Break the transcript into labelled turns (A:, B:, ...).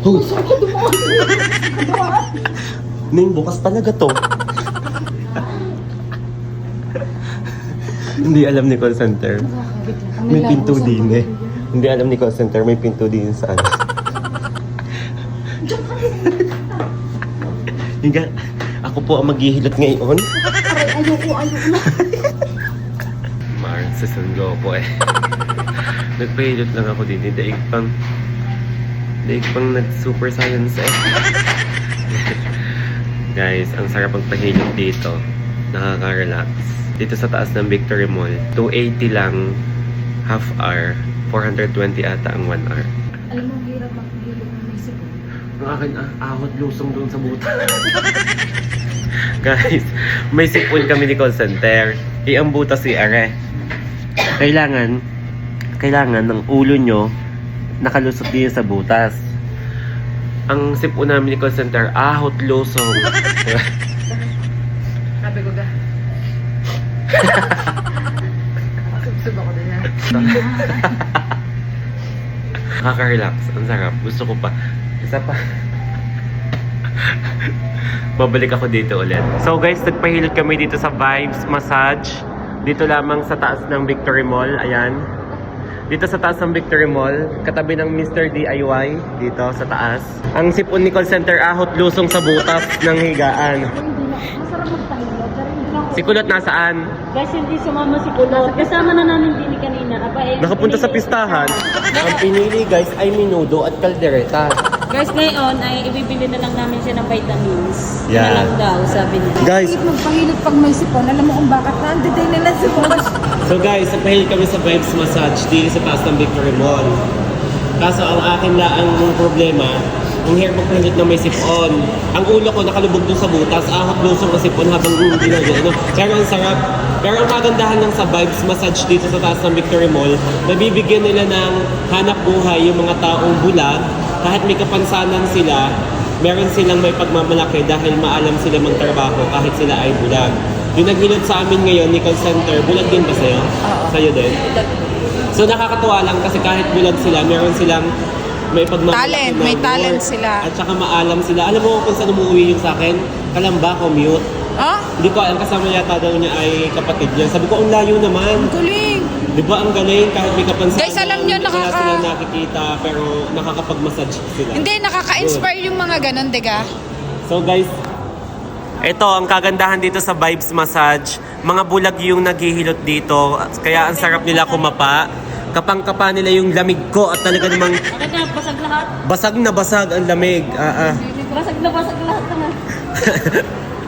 A: Oh. Ning, bukas talaga to. Hindi alam ni call center. May pinto din eh. Hindi alam ni call center, may pinto din sa ano. Higa, ako po ang maghihilot ngayon.
B: Ayoko na.
A: Mars, sasundo po eh. Nagpahilot lang ako din. Daig pang nag-super science eh. Guys, ang sarap magpahilot dito. Nakaka-relax. Dito sa taas ng Victory Mall, 280 lang half hour. 420 ata ang 1 hour.
B: Alam mo, hirap maghilot ng may sipon.
A: Ang akin ahot lusong doon sa buta. Guys, may sipon kami ni call center. Ang buta si Are. Kailangan ng ulo nyo nakalusot din sa butas. Ang sipon namin ni call center, ahot lusong.
B: Sabi ko ga. Subsub ako din yan.
A: Nakaka-relax. Ang sarap. Gusto ko pa. Isa pa. Babalik ako dito ulit. So guys, nagpahilot kami dito sa Vibes Massage. Dito lamang sa taas ng Victory Mall. Ayan. Dito sa taas ng Victory Mall. Katabi ng Mr. DIY. Dito sa taas. Ang sipon ni call center, ahot lusong sa butas ng higaan.
B: Masarap magpahilot. Pero hindi lang ako.
A: Si Kulot nasaan?
C: Guys, hindi sumama si Kulot. Kasama na namin din kanina.
A: Nakapunta sa pistahan. Ang pinili guys ay minudo at kaldereta.
C: Guys, ngayon ay ibibili na lang namin siya ng vitamins.
A: Yeah.
C: Na lang daw, sabi niya.
A: Guys,
B: Bakit magpahilot pag may sipon? Alam mo kung bakit nandiday nila sipon.
A: so guys, nagpahilot kami sa Vibes Massage dito sa taas ng Victory Mall. Kaso ang akin na ang problema, ang hirap magpahilot na may sipon. Ang ulo ko nakalubog dun sa butas, ahot lusong ang sipon habang ginagano. Pero ang sarap. Pero ang kagandahan ng sa Vibes Massage dito sa taas ng Victory Mall, nabibigyan nila ng hanap buhay yung mga taong bulag. Kahit may kapansanan sila, meron silang may pagmamalaki dahil maalam sila magtrabaho kahit sila ay bulag. Yung naghilot sa amin ngayon ni call center, bulag din ba sa'yo?
B: Oo.
A: Sa'yo din? So nakakatuwa lang kasi kahit bulag sila, meron silang may pagmamalaki
B: Talent,
A: na
B: may
A: work.
B: talent sila.
A: At saka maalam sila. Alam mo kung saan umuwi yung sa akin? Kalamba, commute.
B: Ha?
A: Hindi ko alam, kasama yata daw niya ay kapatid niya. Sabi ko, ang layo naman.
B: Galing.
A: Di ba ang galing kahit may kapansanan?
B: Guys, alam niyo,
A: Wala silang nakikita pero nakakapag-massage sila.
B: Hindi, nakaka-inspire yung mga ganun, diga?
A: So guys, ito ang kagandahan dito sa Vibes Massage. Mga bulag yung naghihilot dito. Kaya ang sarap nila kumapa. Kapang-kapa nila yung lamig ko at talaga namang
C: Bakit na, basag lahat?
A: basag na basag ang lamig.
C: Basag na basag lahat naman.